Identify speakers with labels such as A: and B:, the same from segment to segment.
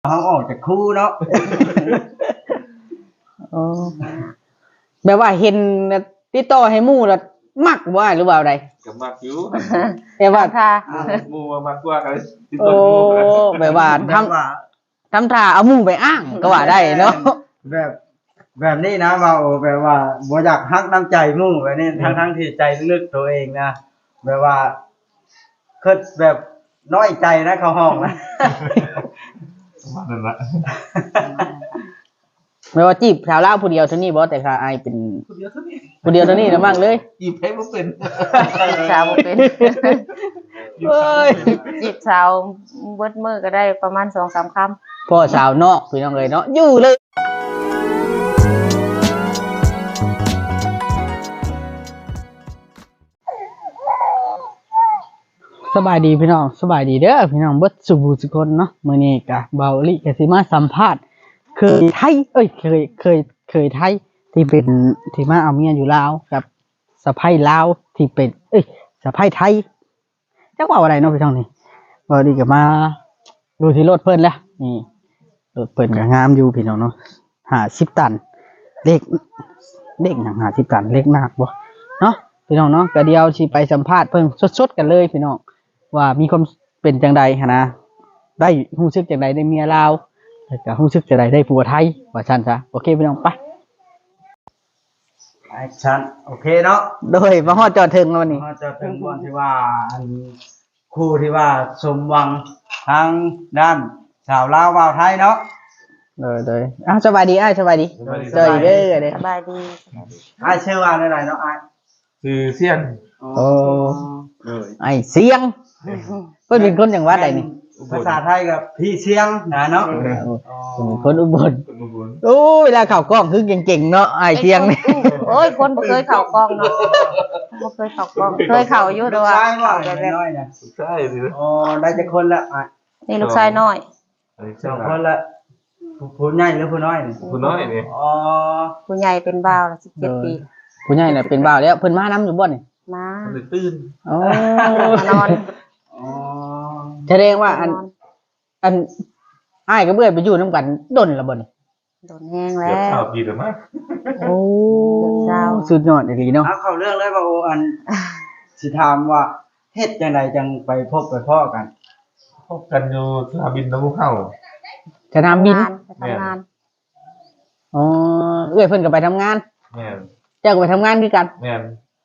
A: เขาออกจากคู่เนาะ
B: โอ้แบบว่าเห็นติดต่อให้หมู่แล้วมักว่าหรือว่าอะไร
C: กับมากอยู่
B: แต่ว่า
D: ค่ะ
C: หมู่มากกว่ากันติด
B: โอ้
C: ต่อหมู่กัน
B: แบบว่า
A: แบบว่า
B: ทำท่าเอาหมู่ไปอ้างก็ว่าได้เนาะ
A: แบบนี้นะเราแบบว่าบ่อยากฮักน้ำใจหมู่แบบนี้ทั้งที่ใจลึกๆตัวเองนะแบบว่าคือแบบน้อยใจนะเขาห้องนะ
C: ว่านั่นละ
B: ไม่ว่าจีบสาวลาวผู้เดียวเท่านี้บ่แต่ค่ะอายเป็น
C: คนเดียวเท่านี้
B: ผู้เดียวเท่านี้นะมั่งเลย
C: จีบให้บ่เป็น
D: สาวบ่เป็น
B: เอ้ย
D: จีบสาวเบิดมือก็ได้ประมาณ 2-3 คำ
B: พ่อสาวนอกพี่น้องเลยเนาะอยู่เลยสบายดีพี่น้องสบายดีเด้อพี่น้องเบิดสุขสุขคนเนาะมื้อนี้กะเบาลิกะสิมาสัมภาษณ์เคยไทยเคยไทยที่เป็นที่มาเอาเมียอยู่ลาวกับสะใภ้ลาวที่เป็นสะใภ้ไทยจักว่าอะไรเนาะพี่น้องนี่เบาลิกะมาดูที่รถเพิ่นแล้วนี่รถเพิ่นก็งามอยู่พี่น้องเนาะ50ตันเลขหยัง50ตันเลขหนักบ่เนาะพี่น้องเนาะก็เดี๋ยวสิไปสัมภาษณ์เพิ่นสดๆกันเลยพี่น้องว่ามีความเป็นจังใดหันนะได้รู้สึกจังใดได้เมียลาวแล้วก็รู้สึกจังใดได้ผัวไทยว่าซั่นซะโอเคพี่น้องไป
A: แอคชั่นโอเคเนาะ
B: โดยมาฮอดจอดถึงแล้ววันนี้
A: เราจะถึงวันที่ว่าอันคู่ที่ว่าสมหวังทางด้านสาวลาววาวไทยเนาะ
B: โดยสบายดีสบายดีเจออีกเด้อเด้อ
D: สบายดี
A: ไอ้ายชื่อว่าอะไรเนาะไอ้าย
C: คือเสี้ยน
B: โอ้
A: เลย
B: ไอ้เสียงเพิ่นเป็นคนจังหวัดใดนี่
A: ภาษาไทยกับพี่เสียงนะเนาะ
B: เพิ่นเป็นคนอุบล
C: คนอุบล
B: โอ้เวลาเข้ากล้องคือเก่งๆเนาะไอ้เสียงนี่
D: โอ้ยคนบ่เคยเข้ากล้องเนาะบ่เคยเข้ากล้องเคยเข้าอยู่แต่ว่า
A: ใช่ว่า
D: เข้าแบบ
A: น้อยๆนะ
C: ใช่สิ
A: อ๋อได้จะคนละอ่ะ
D: นี่ลูกชายน้อย
A: สองคนละผู้ใหญ่หรือผู้น้อยนี่
C: คุณน้อยนี่
A: อ๋อ
D: ผู้ใหญ่เป็นบ่าวแล้ว17 ปี
B: ผู้ใหญ่น่ะเป็นบ่าวแล้วเพิ่นมานํอยู่บ่นี่
D: มา
C: มันเลยตื่น
B: โอ้
D: มานอน
A: อ๋อ
B: แสดงว่าอันอ้ายกับเอื้อยไปอยู่นํกันดนแล้วบ่นี่
D: โดนแห้ง
C: เกื
D: แล้
C: อบ
D: ว
C: สาวปีแล้วมั้ง
B: โอ้
D: เจ้า
B: สุดยอดอีหลีเนาะ
A: เอาเข้าเรื่องเลยว่าโออันสิถามว่าเฮ็ดจังไดจังไปพบไปพ่อกัน
C: พบกันอยู่สนามบินน้ำมูกเข้า
B: สนามบิน
D: ไปทำงาน
B: อ๋อเอื้อยเพิ่นก็ไปทำงาน
C: แม่น
B: เจ้าก็ไปทำงานคือกัน
C: แม่น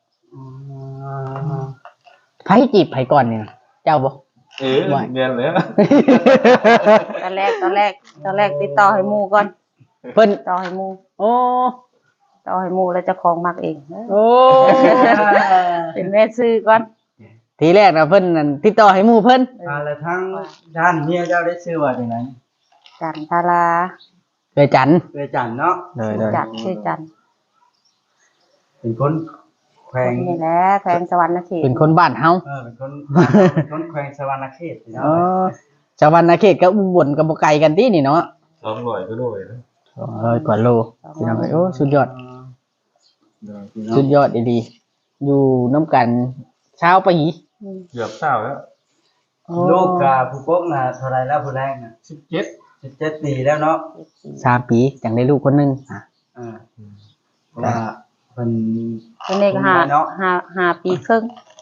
B: ไผจีบไผก่อนนี่นะเจ้าบ่
C: แม่นเลย
D: ตอนแรกติดต่อให้หมู่ก่อน
B: เพิ่น
D: ติดต่อให้หมู่
B: โอ้
D: ต่อให้หมู่แล้วเจ้าของมักเอง
B: โอ้
D: เป็นแม่ซื้อก่อน
B: ทีแรกนะเพิ่นนั่นติดต่อให้หมู่เพิ่น
A: แล้วทั้งด้านเมียเจ้าได้ชื่อว่าจังได
D: จันทรา
B: เคยจันทร์
A: เคยจันเนาะ
D: จันชื่อจัน
A: เป็นคนแขวง
D: นี่แหละแขวงสวรรณเขต
B: เป็นคนบ้านเฮา
A: เป็นคนแขวงสวรรณเขตเนาะ
B: อ๋อชาวบ้านนาเขตกับอุบลกับบ่ไกลกันตินี่เนาะ
C: 200ก็ด้วยนะ
B: 200กว่าโลพี่น้องเอ้ยโอ้สุดยอดสุดยอดดีๆอยู่น้ำกันเช้าไปอีก
C: เกือบเศร้าแล้ว
A: ลูกกับผู้ปกน่ะเท่าไรแล้วผู้แรกน่ะ
C: 17
A: 17ปีแล้วเนาะ
B: 3 ปีจังได้ลูกคนหนึงอ่ะ
A: เพราะว่าเพิ่น
D: เป็นเด็กห้าปีครึ่ง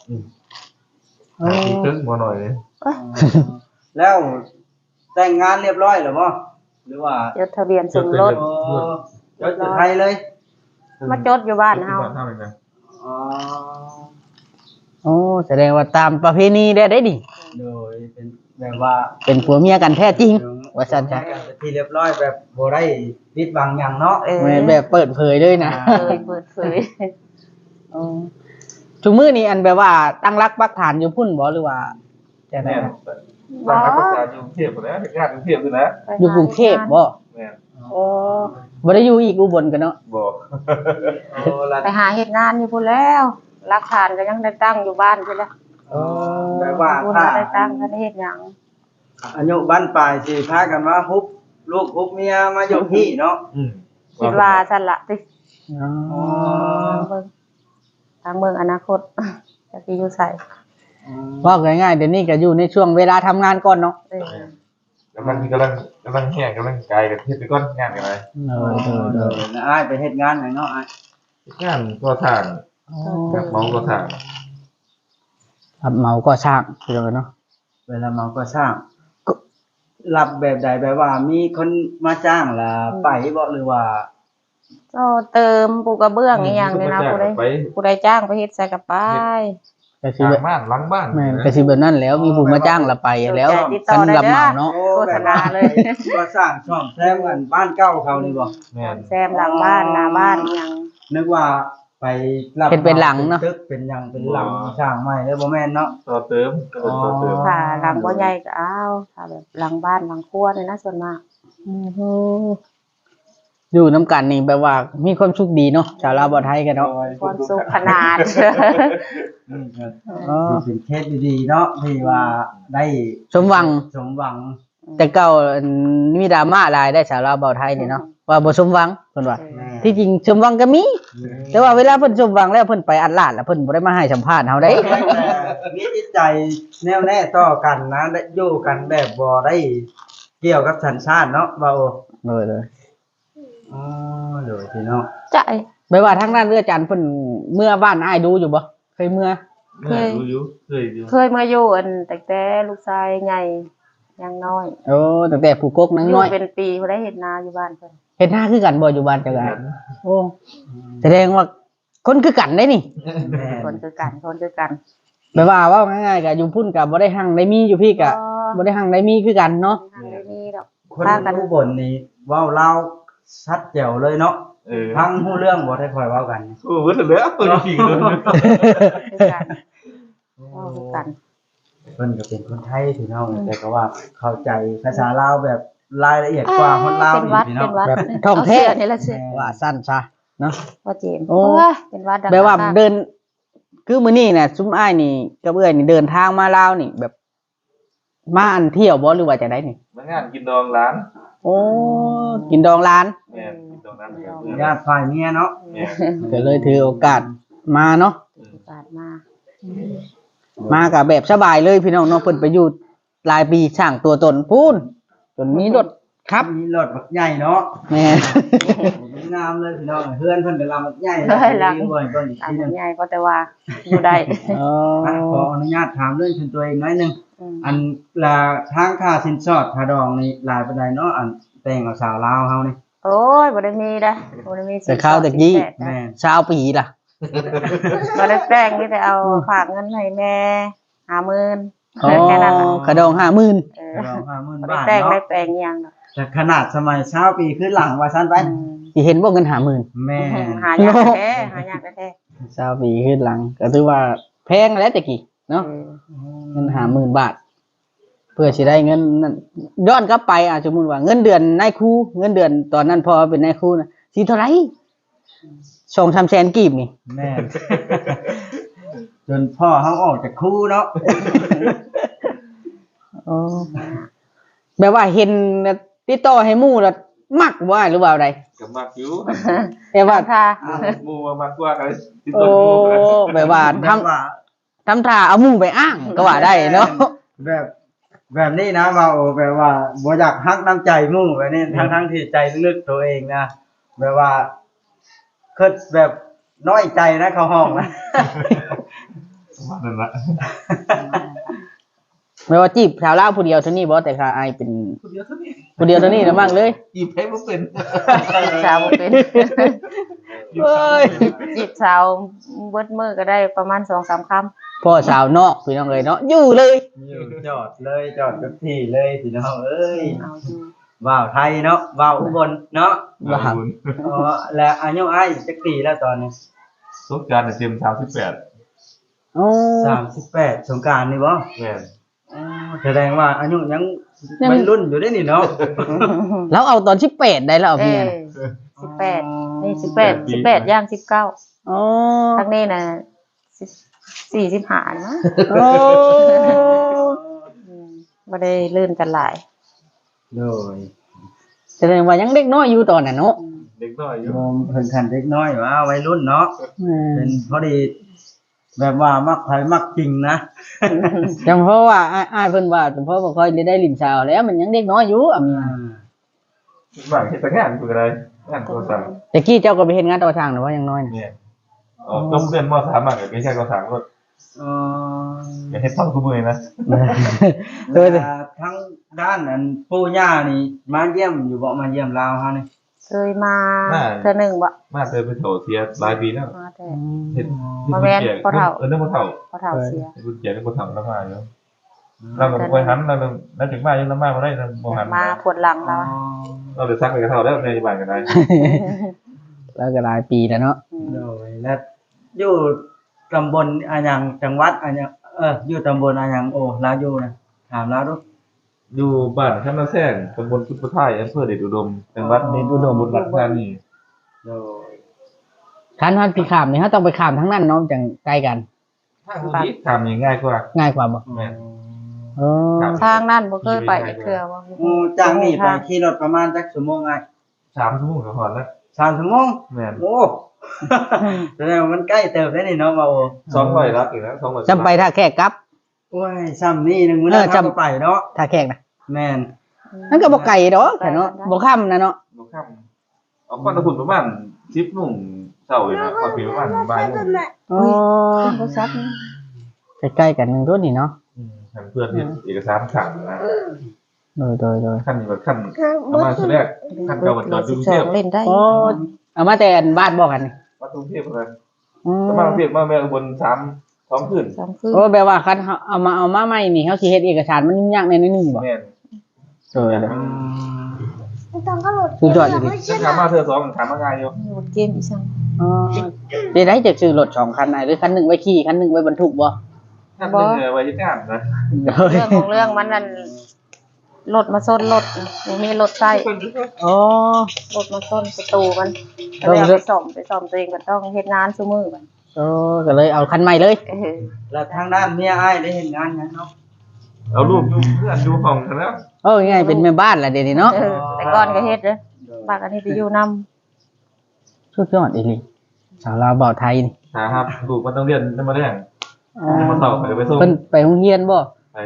C: ปีครึ่งบ่หน่อยเลย
A: แล้วแต่งงานเรียบร้อยหรือบ่หรือว่า
D: จดทะเบียนสมรส
A: จดอยู่ไทยเลย
D: มาจดอยู่บ้านเฮา
C: บ้านเฮาเลยนะ
A: อ๋อ
B: โอ้แสดงว่าตามประเพณีได้ดิ
A: โดยเป็นแบบว่า
B: เป็นผัวเมียกันแท้จริง ว่าซั่นจ้ะ
A: ที่เรียบร้อยแบบบ่ได้ปิดบังหยังเนาะ
B: แม่นแบบเปิดเผยเลยนะ
D: เปิดเผย
B: ทุกมื้อนี้อันแบบว่าตั้งรักปักฐานอยู่พุ่นบ่หรือว่าจังได๋
C: แม่นบ้านเขาประกาศอยู่กรุงเทพหมดแล้วเฮ็ดงานกรุงเทพด้วยนะ
B: อยู่กรุงเทพบ่
C: แม่น
B: โอ้บ่ได้อยู่อีกอุบลกันเนาะ
C: บ่
A: โอ้ละ
D: ไปหาเฮ็ดงานอยู่พุ่นแล้วหลักฐานก็ยังได้ตั้งอยู่บ้านพุ่นแล้ว
A: แบบว่า
D: พุ่น
A: ถ้า
D: ได้ตั้งก็ได้เฮ็ดหยัง
A: อายุบ้านปลายสิพากันมาฮุบลูกฮุบเมียมาอยู่ที่เนาะ
D: คิดว่าซั่นล่ะติ
B: อ๋อ
D: ทางเมืองอนาคตจะสิอยู่ไส
B: ว่าง่ายๆเดี๋ยวนี้ก็อยู่ในช่วงเวลาทำงานก่อนเนาะ
D: เออ
C: กำลังแห้งกำลังกายกันเฮ็ดไปก่อนงานกันเลย
A: เด้ออ้ายไปเฮ็ดงานหยังเนาะอ้าย
C: งานก็ทางแบบเมาก็ทาง
B: ครับเมาก็ช่างพี่น้องเนาะ
A: เวลาเมาก็สร้างก็รับแบบใดแบบว่ามีคนมาจ้างล่ะไปบ่หรือว่า
D: ก็เติมปูกระเบื้องอีหยังนี่นะผู้ใดจ้างไปเฮ็ดใส่กระไป
B: ก็สิ
C: ห
B: แบ
C: ลั
B: บ
C: งบ้านหลังบ้าน
B: แม่นก็สิแบบนั้นแล้วมีผู้มาจ้างเราไปแล้วคันรับเหมาเนาะ
A: โฆษณาเลยก็สร้างช่องแซมกันบ้านเก่าเขานี่บ่
C: แม่น
D: แซมหลังบ้านหน้าบ้านอีหยัง
A: นึกว่าไปรับ
B: เป็นหลังเนาะ
A: ตึกเป็นหยังเป็นหลังสร้างใหม่แล้วบ่แม่นเนาะ
C: ต่อเติมก็เป็นต่อเติม
D: ถ้าหลังบ่ใหญ่ก็เอาถ้าแบบหลังบ้านหลังครัวนี่นะส่วนมาก
B: อยู่น้ำกันนี่แบบว่ามีความสุขดีเนาะชาวลาวบ่ไทยกันเนาะ
D: ความสุขขนาด
A: นี่ก็เป็นเคสดีๆเนาะที่ว่าได้
B: สมหวัง
A: สมหวัง
B: แต่เก่ามีดราม่าหลายได้ชาวลาวบ่ไทยนี่เนาะว่าบ่สมหวังเพิ่นว่า
A: แม่
B: ที่จริงสมหวังก็มี แต่ว่าเวลาเพิ่นสมหวังแล้วเพิ่นไปอัดลาดแล้วเพิ่นบ่ได้มาให้สัมภาษณ์เฮาได้
A: มีจิตใจแน่วแน่ต่อกันนะได้อยู่กันแบบบ่ได้เกี่ยวกับสัญชาติเนาะว่าโอ้
B: เลย
A: อ๋อเลยพี่น้อง
D: ใจ
B: ไม่ว่าทางด้านเรือจันทร์เพิ่นเมื่อบ้านอ้ายดูอยู่บ่เคยเมื่อ
C: เคยอยู่เคยอยู่
D: เคยมาอยู่อันแต่ลูกชายใหญ่ยังน้อย
B: โอ้ตั้งแต่ผู้กกนัง
D: อยู่
B: น้อย
D: เป็นปีบ่ได้เฮ็ดนาอยู่บ้านเพิ่น
B: เฮ็ดหน้าคือกันบ่อยู่บ้านจังได๋โอ้แสดงว่าคนคือกันได้นี่
A: แม่
D: คนคือกันคนคือกัน
B: แปลว่าเว้าง่ายๆก็อยู่พุ่นก็บ่ได้หั่งได้มีอยู่พี่ก็บ่ได้หั่งได้มีคือกันเนาะ
D: ทางนี้ดอก
A: คนอุบลนี่เว้าลาวชัดแจ๋วเลยเนาะ ฟังฮู้เรื่องบ่ได้ค่อยเว้ากัน
C: โอ้เบิดแล้วอยู่พี่เลย
D: คือกันคือกัน
A: เพิ่นก็เป็นคนไทยพี่น้องแต่ก็ว่าเข้าใจภาษาลาวแบบรายละเอียดกว่าคนลาว
D: เป็น
A: อี
D: วั
A: ก
D: ด
A: พี่
D: เป็
A: น้อง
D: นวัด
B: แบบท่องแท้
D: เาเสื้นี่ละเสื้อ
B: ว่าสั้นซะเนาะ
D: ว่าเจมส์
B: โอ้
D: โอ้ยเป็นวัดดัง
B: แปลว่าเดิน คือมื้อนี้น่ะซุมอ้ายนี่กับเอื้อยนี่เดินทางมาลาวนี่แบบมาอันเที่ยวบ่หรือว่าจังได๋นี่
C: มางานกินดองร้าน
B: โอ้กินดองร้าน
C: แม่นกินดองร้าน
A: ญาติฝ่ายเมียเนาะ
C: แม่น
B: ก็เลยถือโอกาสมาเนาะ
D: โอกาสมา
B: มากับแบบสบายเลยพี่น้องเนาะเพิ่นไปอยู่หลายปีสร้างตัวตนพูนจนมีรถครับ
A: มีรถบักใหญ่เนาะ
B: แม่
A: งามเลยพี่น้องเฮือนเพิ่นก็ลำบักใหญ่
D: เฮ้ยหลัง
A: บ่อยก็อีก
D: ตาม
A: ทีหนึง
D: ใหญ่ก็แต่ว่าอยู่ได้
A: ขออนุญาตถามเรื่องส่วนตัวเองน้อยหนึง
D: อืม
A: อันลาทางค่าสินสอดค่าดองนี่หลายปานใดเนาะอันแต่งกับสาวลาวเฮานี่
D: โอ้ยบ่ได้มีเด้อบ่ได้มี
B: แต่ข้าวแต่กี้
A: แม่น
B: ชาวปีล่ะ
D: บ่ได้แป้งมีแต่เอาฝากเงินให้แม่50,000
B: อ๋อ
D: แค่นั้นน่ะ
B: กระดอง50,000
D: เออ
A: ดอง50,000
D: บ่ได้
A: บาท
D: แป้งได้
A: เนาะ
D: แป้งอิหยังดอก
A: แต่ขนาดสมัย20ปีขึ้นหลังว่าซั่นไป
B: สิเห็นบ่เงิน50,000
A: แม่
D: หายากแท้หายากแท้
B: ชาวปีขึ้นหลังก็ถือว่าแพงแล้วแต่กี้เนาะ
D: เออ
B: เงิน50,000 บาท เพื่อสิได้เงินนั่นย้อนกลับไปสมมุติว่าเงินเดือนนายครูเงินเดือนตอนนั้นพอเป็นนายครูน่ะสิเท่าไหร่2-3แสนกีบนี่
A: แม่ จนพ่อเฮาออกจากครูเนาะ
B: อ๋อแบบว่าเห็นติดต่อให้หมู่แล้วมักว่าหรือว่าอะไร
C: กับมากอยู่
B: แต่ว่า
D: ค่ะ
C: หมู่มากกว่ากันติด
B: โอ้
C: ต้นหมู่กัน
B: แบบว่าทำ
A: แบบว่า
B: ทำท่าเอาหมู่ไปอ้างก็ว่าได้เนาะ
A: แบบนี้นะว่าโอ้แบบว่าบ่อยากฮักน้ำใจหมู่แบบนี้ทั้งที่ใจลึกๆตัวเองนะแบบว่าคิดแบบน้อยใจนะเขาห้องนะ
C: นั่นละ
B: ไม่ว่าจีบสาวลาวผู้เดียวเท่านี้บ่แต่ค่ะอายเป็น
C: คนเดียวเท่านี้
B: ผู้เดียวเท่านี้นะมั่งเลย
C: จีบให้บ่เป็น
D: สาวบ่เป็น
B: เอ้ย
D: จีบสาวเบิดมื้อก็ได้ประมาณ 2-3 คำ
B: พ่อสาวนอกพี่น้องเลยเนาะอยู่เลย
A: จอดเลยจอดกับที่เลยพี่น้องเอ้ย
D: เอาอยู่
A: ว่าวไทยเนาะว่าวอุบลเนาะ
B: ว่า
A: อ๋อและอายุอ้ายจักปีแล้วตอนนี้
C: สงกรานต์เต็ม38
B: โอ้
A: 38สงกรานต์นี่บ่
C: แม่น
A: อ๋อแสดงว่าอายุยังวัยรุ่นอยู่ได้นี่เนาะ
B: แล้วเอาตอน18ได้แล้วเอา
D: เอ้
B: เมีย
D: ย
B: น่ะ
D: 18นี่18ย่าง19
B: อ๋อ
D: ทางนี้น่ะ45นะ
B: โอ้
D: บ่ได้เลื่อนกันหลาย
A: โดย
B: แสดงว่ายังเด็กน้อยอยู่ตอนน่ะเนาะ
C: เด็กน้อยอยู่
A: โยมเพิ่นคันเด็กน้อยว่าวัยรุ่นเนาะเป็นพอดีแบบว่ามักไผมักจริงนะ
B: จังเพราะว่าอ้ายเพิ่นว่าจังเพราะบ่ค่อยได้ลิ้นชาวแล้วมันยังเด็กน้อยอยู่อ่ะเมีย
C: บางเฮ็ดแต่งานคืออะไรงานโทรศัพท์
B: แต่กี้เจ้าก็ไปเฮ็ดงานต่อทางหรือว่ายังน้อยน่ะ
C: เนี่ยต้องเรียนม.3มาก็ไม่ใช่ม.3ก็
A: อ๋อ
C: อย่าให้ต้องทุกมื้อนะ
B: เออ
A: ทั้งด้านนั้นปู่ย่านี่มาเยี่ยมอยู่บ่มาเยี่ยมลาวเฮานี่
D: เคยมาเทื่อหนึงบ่
C: มาเจอไปโถเสียหลายปีแล้ว
D: มาแต่
C: เฮ็ด
D: มาแม่นพ่อเฒ่า
C: เรื่องพ่อเฒ่า
D: พอเฒ่าเสีย
C: เฮ็ดบุญเจียเรื่องพ่อเฒ่าแล้วมาอยู่เราก็บ่หันเราถึงมายังมาบ่ได้บ่หัน
D: มาปวดหลังแล้ว
C: เราเลยซักไปกับเฒ่าแล้วในบ้านก็ได้
B: แล้วก็หลายปีแล้วเนาะ
A: โดยและอยู่ตำบลอะหยังจังหวัดอะหยังอยู่ตำบลอะหยังโอ้ลาวอยู่นะถามลาวดู
C: อยู่บ้านคำนาแซงตำบลพุทธไทยอำเภอเดชอุดมจังหวัดเดชอุดมบุรีรัมย์ธานี
A: โดย
B: คันฮันพี่ข้ามนี่เฮาต้องไปข้ามทั้งนั้นเนาะจังใกล้กัน
C: ทางนี้ทำง่ายกว่า
B: ง่ายกว่าบ่
C: แม่น
B: เออ
C: ครับ
D: ทางนั้นบ่เคยไปจักเทื่อบ่
A: โอ้จากนี่ไปขี่รถประมาณจักชั่วโมงไง
C: 3 ชั่วโมงก็พอแล้ว
A: 3ชั่วโมง
C: แม่น
A: โอ้ แสดงว่ามันใกล้เติบได้นี่เนาะบ่าโอ้
C: 200ลักอีกแล้ว200
B: จำไปท่าแขกกลับ
A: โอ้ยซ้ำนี่นึงมื้อนั้น
B: จำ
A: เราก็ไปเนาะ
B: ท่าแขกนะ
A: แม่น
B: นั่นก็บ่ไกลดอกแต่เนาะบ่ค่ำนะเนาะ
C: บ่ค่ำเอาก่อนตะพุ่นประมาณ10 โมงเช้าเลยนะพอปีประมาณบ่ายโมง
B: อ๋อ
D: โทรศัพท์นี่
B: ใกล้ๆกันนึงตัวนี่เนาะ
C: ทางเพื่อนเฮ็ดเอกสารขังนะ
B: โดย
C: ขั้นนี้แบบขั้นเอามาคือแรกขั้นเก่ามันจอดอยู่กรุงเทพ
D: 12เล่นได้
B: โอ้เอามาแต่อันบ้านบอกกันนี่
C: มากรุงเทพเลย
B: อืม
C: ก็มากรุงเทพมาแม่อุบล2 คืน
D: สองคืน
B: โอ้แปลว่าคันเอามาใหม่นี่เฮาสิเฮ็ดเอกสารมันยุ่งยากในนิดนึงบ่
C: แม่น
B: เออ
E: ต้องก็หลุด
B: สุดยอดเลย
C: ถ้าถามมาเธอ2ถามมาง่ายอยู่
D: หมดเกมอีสัง
B: อ๋อสิได้จะซื้อรถ2คันไหนหรือคันหนึงไว้ขี่คันหนึงไว้บรรทุกบ่
C: ขั้นหนึงไว้ที่งานนะ
D: เรื่องของเรื่องมันนั่นรถมาซ่อนรถบ่มีรถใช้
B: อ๋อ
D: รถมาซ่อนประตูมันก็เลยเอาไปซ่อมตัวเองก็ต้องเฮ็ดงานซุมื้อมัน
B: ก็เลยเอาคันใหม่เลย
A: แล้วทางด้านเมียอ้ายได้เห็นงานหยังเนาะ
C: เอารูปอยู่เพื่อนอยู่ห้องกันแล้ว
B: โอ้ง่ายๆเป็นแม่บ้านล่ะเดี๋ยวนี้เนาะ
D: แต่ก่อนก็เฮ็ดเด้อปากอันนี้ไปอยู่นำ
B: สุดยอดอีหลีสาวลาวเบาไทยนี่
C: ครับลูกมันต้องเรียนได้มาแรงมาสอบไปส่ง
B: เพิ่นไปโรงเรียนบ่
C: ไป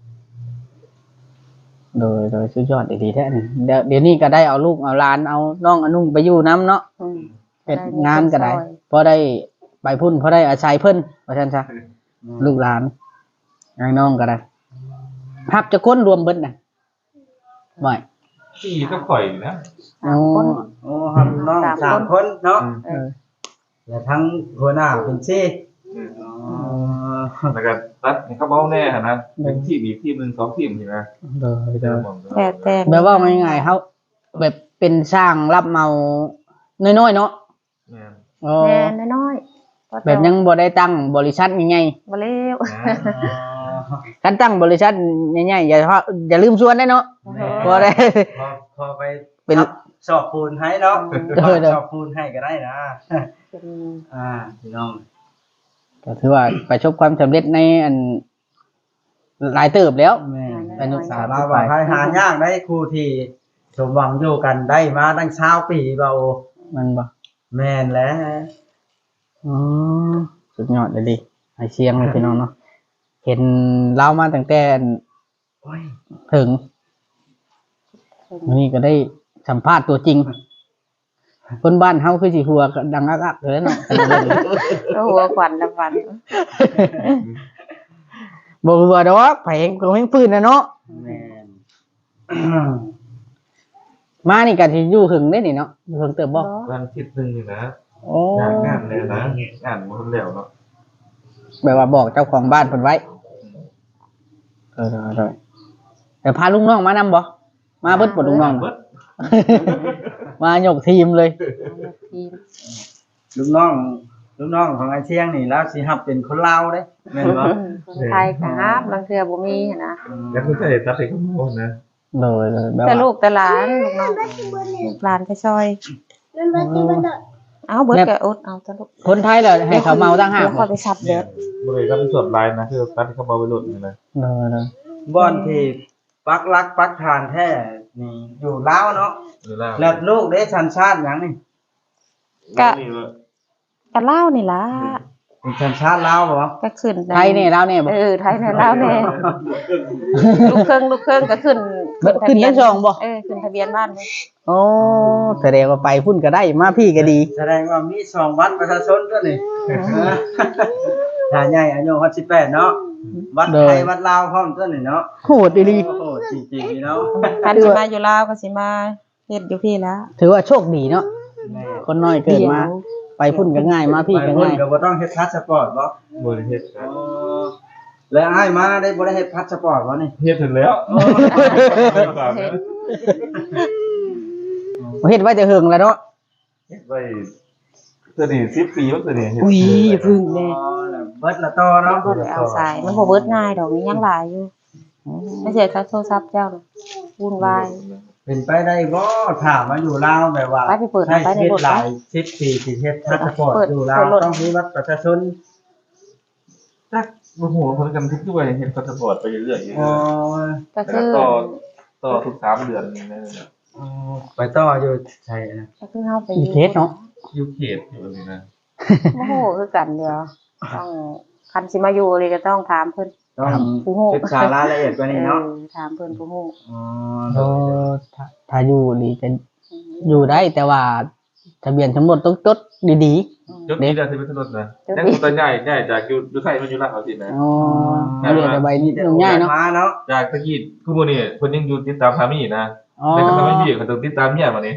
B: โดยสุดยอดอีหลีแท้นี่เดี๋ยวนี้ก็ได้เอาลูกเอาหลานเอาน้องเอานุ่งไปอยู่นํเนาะเฮ็ดงานก็ได้พอได้ไปพุ่นพอได้อาศัยเพิ่นว่าซั่นซะลูกหลานน้องก็ได้ฮับจะคนรวมเบิดน่ะบ่
C: ที่ก็ข่อยนะ
B: อ๋อ
A: โอ้ครับน้อง3คนเนาะ
B: เออ
A: แล้วทั้งหัวหน้าเป็นซี่อ๋อ
C: แล้วก็ตัดให้เขาเมาแน่นะเป็นทีมอีกทีมนึง2 ทีมนี่นะ
B: โดย
D: แต่
B: แบบว่าง่ายๆเฮาแบบเป็นสร้างรับเหมาน้อยๆเนาะ
C: แม่น
B: อ๋อ
D: แน่น้อยๆ
B: แบบยังบ่ได้ตั้งบริษัทใหญ่
D: บ่เลว
B: ๆการตั้งบริษัทใหญ่ๆอย่าลืมชวนได้เนาะบ่ได้
A: พอไป
B: เป็น
A: สอบปูนให้เนาะ
B: เออ
A: สอบปูนให้ก็ได้นะ
D: เป็น
A: พี่น้อง
B: ก็ถือว่าประสบความสำเร็จในอันหลายเติบแล้ว
A: แม่
B: เป็นลูกสาว
A: เราว่าหายากได้ครูที่สมหวังอยู่กันได้มาตั้ง20ปีเบา
B: มันบ่
A: แม่นแล้ว
B: อ๋อสุดยอดเลยดิไอเชียงเลยพี่น้องเนาะเห็นเล่ามาตั้งแต่
A: โอ้ย
B: ถึงวันนี้ก็ได้สัมภาษณ์ตัวจริง คนบ้านเฮาคือสิหัวดังอักๆเลยเนาะ
D: ก็หัวขวัญละวัน
B: บ่หัวดอกไผก็เฮงฟื้นนะเนาะ
A: แม่น
B: มานี่ก็สิอยู่หึงได้นี่เนาะอยู่หึงเติบบ่
C: วันอาทิตย์นึงนี่นะ
B: โอ้
C: งานเลยนะงานมันแล้วเนาะ
B: แบบว่าบอกเจ้าของบ้านเพิ่นไว้แต่พาลุงน้องมานำบ่มาเบิดบ่ลุงน้อง
C: เบิด
B: มาหยกทีมเลย
D: ทีม
A: ลูกน้องของไอ้เชียงนี่แล้วสิรับเป็นคนลาวเด้แม่นบ่
D: คนไทยก็ฮับบางเทื่อบ่มีหั้นนะ
C: แล้วก็ใช่ตัดให้เขาโอนนะ
B: เลยแบบ
D: แต่
B: ว่า
D: ลูกแต่หลานลูกน้องลูกหลานไปซอย
E: มันมาที่มันเด้อ
D: เอาเบิดก็อดเอาตะลูก
B: คนไทยเหรอให้เขาเมาตั้งห้า
D: เดี๋ยว
B: บ่
D: ค่อยไปซับเด็ด
C: บริการเป็นส่วนลายนะคือตัดให้เขามาไปหลุดนี่นะ
B: เลย
A: บ่อนที่ปักหลักปักฐานแท้นี่อยู่ลาวเนาะ
C: หรือแล้ว
A: แล้วลูกได้สัญชาติหยังนี่
D: ก็เล่านี่ล่ะ
A: เป็นชนชาติลาวบ่
D: ก็ขึ้น
B: ไทยนี่ลาวนี่บ่
D: ไทยในลาวแน่ลูกครึ่งก็ขึ้น
B: ขึ้นยังช่องบ่
D: ขึ้นทะเบียนบ้านเลย
B: โอ้แสดงว่าไปพุ่นก็ได้มาพี่ก็ดี
A: แสดงว่ามี2วัดประชาชนตัวนี้ถ้าใหญ่อายุ18เนาะวัดไทยวัดลาวพร้อมตัวนี้เนาะ
B: โหดอีหลี
A: โอ้โหจริงๆนี่เนาะ
D: คันสิมาอยู่ลาวก็สิมาเฮ็ดอยู่พี่แล้ว
B: ถือว่าโชคดีเนาะ
A: แม่
B: คนน้อยเกิดมา ไปพุ่นก็ง่ายมาพี่ก็
A: ไป
B: ง่าย
A: ก็บ่ต้องเฮ็ดพาสปอร์ตบ่
C: บริเฮ็ดครับ
A: แล้วอ้ายมาได้บ่ได้เฮ็ดพาสปอร์ตบ่นี่
C: เฮ็ดถึงแล้ว
B: เฮ็ดไว้แต่เฮิงแล้วเนาะ
C: เฮ็ดไว้ตัวนี้10 ปีแล้วตัวนี้เฮ็ด
B: อุ้ยอย่าพึ่งแน่
A: แล้วเบิดละต่อเนาะ
D: บ่ได้เอาสายมันบ่เบิดง่ายดอกมียังหลายอยู่ไม่ใช่โทรศัพท์เจ้าน่ะวุ่นวาย
A: เป็นไปได้บ่ถามมาอยู่ลาวแบบว่า
D: ไปเปิด
A: ใช้
D: ไปใน
A: ชีวิต
D: รถ
A: หลาย10ปีสิเฮ็ดพาสปอร์ตอยู่ลาวต้องมีบัตรประชาชน
C: จักบ่ฮู้ว่าเพิ่นกันทุกด้วยเฮ็ดพาสปอร์ตไปเรื่อยๆ
A: อ๋อ
D: ก็
C: แต่
D: คือ
C: ต่อทุก3 เดือนนี่นะ
A: ไปต่ออยู่ใช่นะ
D: ก็คือเฮาไป
B: อีเคสเนาะ
C: อยู่เขตอยู่นี่นะ
D: โอ้โหคือกันเดียวต้องคันสิมาอยู่เลยก็ต้องถามเพิ่น
A: ต้อง
D: ผู้ฮู้
A: ศึกษารายละเอียดกว่านี้เนาะ
D: ถามเพิ่นผู้ฮู้
A: อ๋อ
B: เออถ้าอยู่นี่จะอยู่ได้แต่ว่าทะเบียนทั้งหมดต้องจดดี
C: จดนี้ได้สิเป็นถนนนะยังตัวใหญ่จากอยู่ไทยมาอยู่ลาวสินะ
B: ๆอ๋อเอาเรียนแต่ใบนี้ง่ายเนาะ
A: มาเนาะ
C: จากตะกี้คือมื้อนี้เพิ่นยังอยู่ติดตามสามีนะ
B: อ๋อ
C: แต่ก็ทำให้พี่เขาต้องติดตามเมียมานี่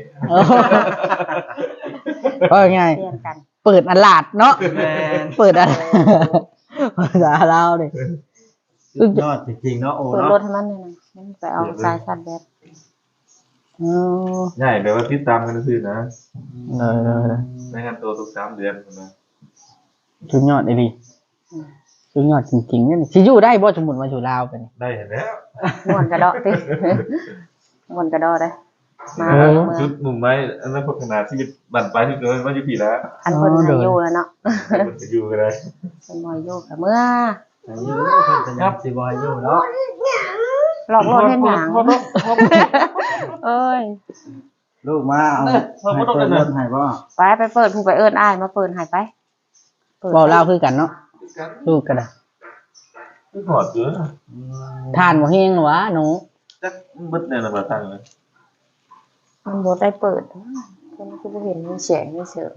B: ก็ง่าย
D: เรียนกัน
B: เปิดอัลลาดเนาะ
A: แม่น
B: เปิดอัลภาษาลาวเลย
A: สุดยอดจริงๆเนาะโอ้
D: เปิด
A: เนาะ
D: รถให้มันเลยนะมันไปเอาสายชาร์จแบต
B: อ๋อ
C: ใช่แบบว่าติดตามกันซื่อนะ
B: เออ
C: ในงานตัวทุก3 เดือนพุ่นนะ
B: สุดยอดเลยดิสุดยอดจริงๆเนี่ยสิอยู่ได้บ่สมมุติมาอยู่ลาวไปนี่
C: ได้เห็นแล้ว
D: ม่วนกระเดาะติม่วนกระเดาะได้มา
B: เออ
D: เมือ
C: จุ
D: ง
C: ดมุ่งหมายอันนั้นพัฒนาชีวิตบั่นปลายที่เกินมาอยู่พี่แล้ว
D: คันเพิ่นให้อยู่แล้วเนาะ
C: มันจะอยู่กันได้
D: เพิ่นบ่ให้อยู่ก็เมื่อ
A: อายุเพิ่นก็ยังสิบ่อายุเนาะ
D: หลอกลวงเฮ็ดหยังเอ้ย
A: ลูกมาเอาให้เปิดรถให้บ่
D: ไปเปิดผู้ไปเอิ้นอ้ายมาเปิดให้ไปเปิด
B: เว้าลาวคือกันเนาะลูกก็ได้
C: คือหอดเยอะ
B: ทานบ่แฮงหวะหนู
C: จักบึดเนี่ยนะบ่ตั้งเลย
D: มันบ่ได้เปิดเพิ่นคือบ่เห็นมีแสงมีเสียง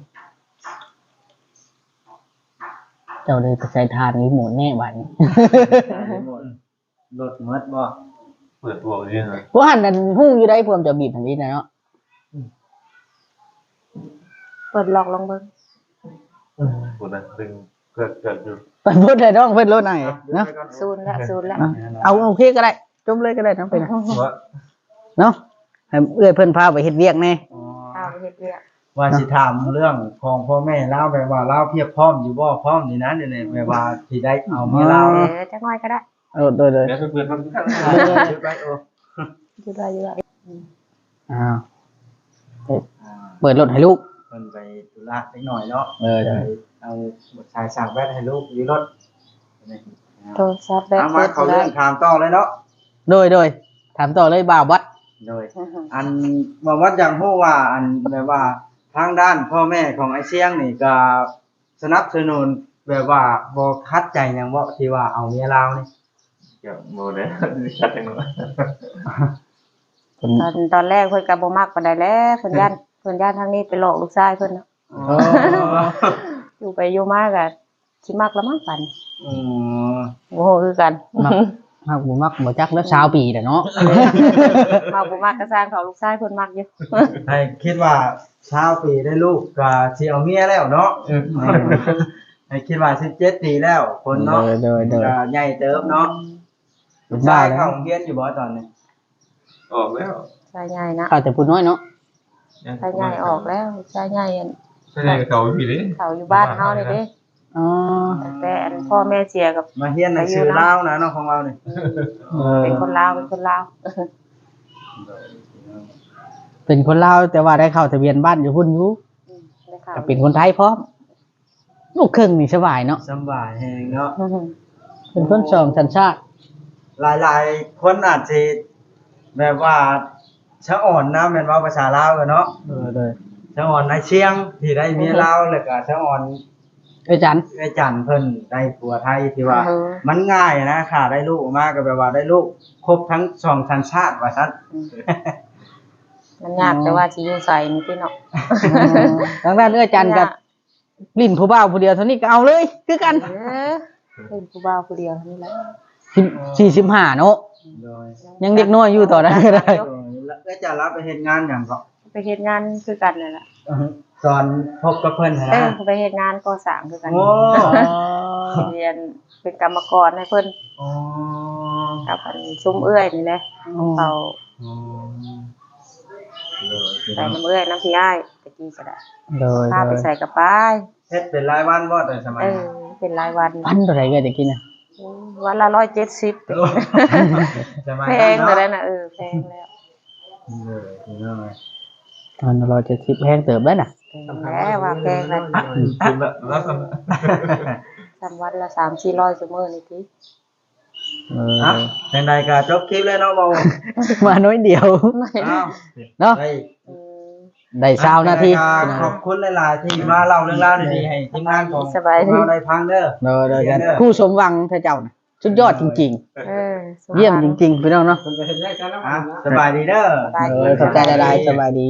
B: เจ้าเลยไปใส่ทานรีโมทแน่บัดนี้
A: รถหมดบ่
C: เปิดตัวนี่นะ
B: พวกหันนั่นฮู้อยู่ได้พวกจะบีบทางนี้นะเนาะ
D: เปิดหลอกลองเบิ่ง
C: คนนั้นดึงเกิดอยู่
B: ไปพูดได้น้องเพิ่นรถไหนเนาะ
D: ซูนแล้ว
B: อ่ะเอาโอเคก็ได้จมเลยก็ได้น้องไปนะ
C: ว่า
B: เนาะให้เอื้อยเพิ่นพาไปเฮ็ดเวียกแน่
D: เอาไปเฮ็ดเวียก
A: ว่าสิถามเรื่องของพ่อแม่เล่าแบบว่าเล่าเพียบพร้อมอยู่บ่พร้อมนี่นะนี่ๆแบบว่าสิได้เอาเมียเล่า
D: จักหน่อยก็ได้
B: โดย
C: แล้วเพื่อนๆมันกัน
A: ชุดไว้โอ้
D: อยู่ได้อยู่ได้
B: อ้าวเปิดรถให้ลูก
A: เพิ่นไปธุระนิดหน่อยเนาะ
B: เออ
A: ไปเอาบทชายสั่งแว่นให้ลูกอยู่รถ
D: โทรศัพท์แบต
A: เอามาเขาเรื่องถามต่อเลยเนาะ
B: โดยถามต่อเลยบ่าววัด
A: โดยอันว่าวัดอย่างฮู้ว่าอันแบบว่าทางด้านพ่อแม่ของไอ้เสียงนี่ก็สนับสนุนแบบว่าบ่คัดใจหยังบ่ที่ว่าเอาเมียลาวนี่
C: เกี่ยวโมเดลชัดจังเลย
D: ตอนแรกเพิ่นก็บ่มักปานใดแล้วเพิ่นย่านทางนี้ไปหลอกลูกชายเพิ่นเนาะ
A: อ๋อ
D: อยู่ไปอยู่มาก็สิมักละมั้งปัน
A: อืม
D: โอ้โหคือกัน
B: มักบ่มักบ่จักแล้ว20ปีแล้วเนาะ
D: มักบ่มักก็สร้างเขาลูกชายเพิ่นมักอยู่
A: ให้คิดว่าชาวปีได้ลูกก็สิเอาเมียแล้วเนาะให้คิดว่า17ปีแล้วคนเนาะ
B: โดย
A: ก็ใหญ่เติบเนาะ
B: เป็น
A: ชา
B: บ้าย แล้
A: เข้าว โรงเรียนอยู่บ่ตอนนี้
C: ออกแล้ว
D: ชายใหญ่นะ
B: ข้าวแต่พูดน้อยเนาะ
D: ชายใหญ่ออกแล้วชายใหญ่อัน
C: ใช่ไหมเก่าพี่ดิ
D: เขาอยู่บ้านเฮานี่เด้
B: อ๋อ
D: แต่อันพ่อแม่เสียกับ
A: มาเรียนหนังสือลาวนะเนาะของเรานี่
D: เป็นคนลาวเป็นคนลาว
B: เป็นคนลาวแต่ว่าได้เข้าทะเบียนบ้านอยู่พุ่นอยู่
D: ได้ข่าว
B: ก็เป็นคนไทยพร้อมลูกครึ่งนี่สบายเนาะ
A: สำบายแฮงเนาะ
B: เป็นคนสองสัญชาติ
A: หลายๆคนอาจสิแบบว่าชะอ่อนนะแม่นว่าภาษาลาวกันเนาะ
B: โดย
A: ชะอ่อนในเชียงที่ได้เมียลาวแล้วก็ชะอ่อน
B: อาจารย์
A: ไอ้จันเพิ่นได้ผัวไทยที่ว่า
D: เออ
A: มันง่ายนะค่ะได้ลูกมาก็แปลว่าได้ลูกครบทั้งสองสัญชาติว่าซั่น
D: มันยากแต่ว่าสิอยู่ใส่นี่พี่เนาะ
B: ทางด้านอาจารย์กับลิ้นผู้บ่าวผู้เดียวเท่านี้ก็เอาเลยคือกัน
D: เออเป็นผู้บ่าวผู้เดียวเท่านี้แหละ
B: 45เนาะ
A: โดย
B: ยังเด็กน้อยอยู่ต่อได้ก็ได้
A: แล้วก็จะรับไปเฮ็ดงานหยังก็
D: ไปเฮ็ดงานคือกันนั่นแหละ
A: ตอนพบกับเพิ่น
D: เอ
A: นะ
D: อไปเฮ็ดงานก่อสร้างคือกัน
A: โอ้
D: เรียนเป็นกรรมกรให้เพิ่น
A: อ๋อ
D: กับอันชุ่มเอื้อยนี่แหละเขา
A: อ๋อ
D: ใส่น้ำเอื้อยน้ำพี่อ้ายตะกี้ก็ได้
B: โดย
D: พาไปใส่กระป๋าย
A: เฮ็ดเป็นรายวันบ่แต่สมัย
D: เออ
A: นั้น
D: เป็นรายวัน
B: พันเท่าไหร่ก็จะกินน่ะ
D: วันละ170
A: โอ้สมัย
D: แพ
A: นั้น
D: งเลย
A: เนาะ
D: นะแพงแล้ว
B: พัน170แพงเติบได้น่ะ
D: แพงแล้วว่าแพงแล้ว
C: คุณละลักษณะ
D: ทำวันละ3-400ชั่วโมงนี่ติ
A: อ่ะจังใดก็จบคลิปเลยเนาะบ่าว
B: มาน้อยเดียว
A: อ้าว
B: เนาะ
A: ได้
D: อืม
B: ได้20นาที
A: ขอบคุณหลายๆที่มาเล่าเรื่องราวดีๆให้ทีมงานของ
D: สบายดี
A: เราได้ฟังเด้อ
B: โดยกันคู่สมหวังเธอเจ้าน่ะสุดยอดจริง
D: เออ
B: ๆ เยี่ยมจริงๆพี่น้องเนาะ
A: อ่ะสบายดีเด้อ
B: ขอบใจหลายๆสบายดี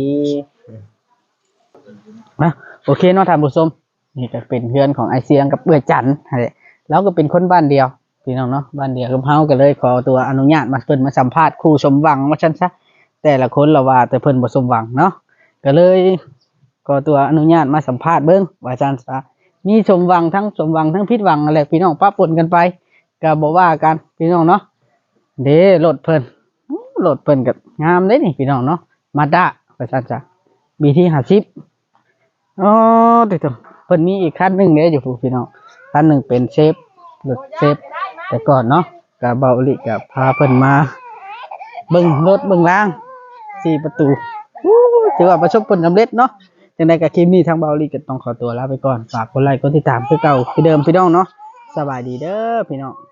B: นะโอเคเนาะท่านผู้ชมนี่ก็เป็นเพื่อนของไอเสียงกับเบื่อจันทร์นั่นแหละแล้วก็เป็นคนบ้านเดียวพี่น้องเนาะบ้านเดียวกับเฮาก็เลยขอตัวอนุญาตมาเพิ่นมาสัมภาษณ์คู่สมหวังว่าซั่นซะแต่ละคนละว่าแต่เพิ่นบ่สมหวังเนาะก็เลยขอตัวอนุญาตมาสัมภาษณ์เบิ่งว่าซั่นซะมีสมหวังทั้งผิดหวังอะไรพี่น้องปะปนกันไปก็บ่ว่ากันพี่น้องเนาะเด้รถเพิ่นก็งามเด้นี่พี่น้องเนาะมาด้าว่าซั่นซะBT 50อ๋อเดี๋ยวเพิ่นมีอีกคันหนึงเด้อยู่พี่น้องคันหนึงเป็นเชฟรถเชฟแต่ก่อนเนาะก็เบาลิก็พาเพิ่นมาเบิ่งรถเบิ่งราง4ประตูถือว่าประสบผลสำเร็จเนาะจังได๋ก็คลิปนี้ทางเบาลิก็ต้องขอตัวลาไปก่อนฝากกดไลค์กดติดตามคือเก่าคือเดิมพี่น้องเนาะสบายดีเด้อพี่น้อง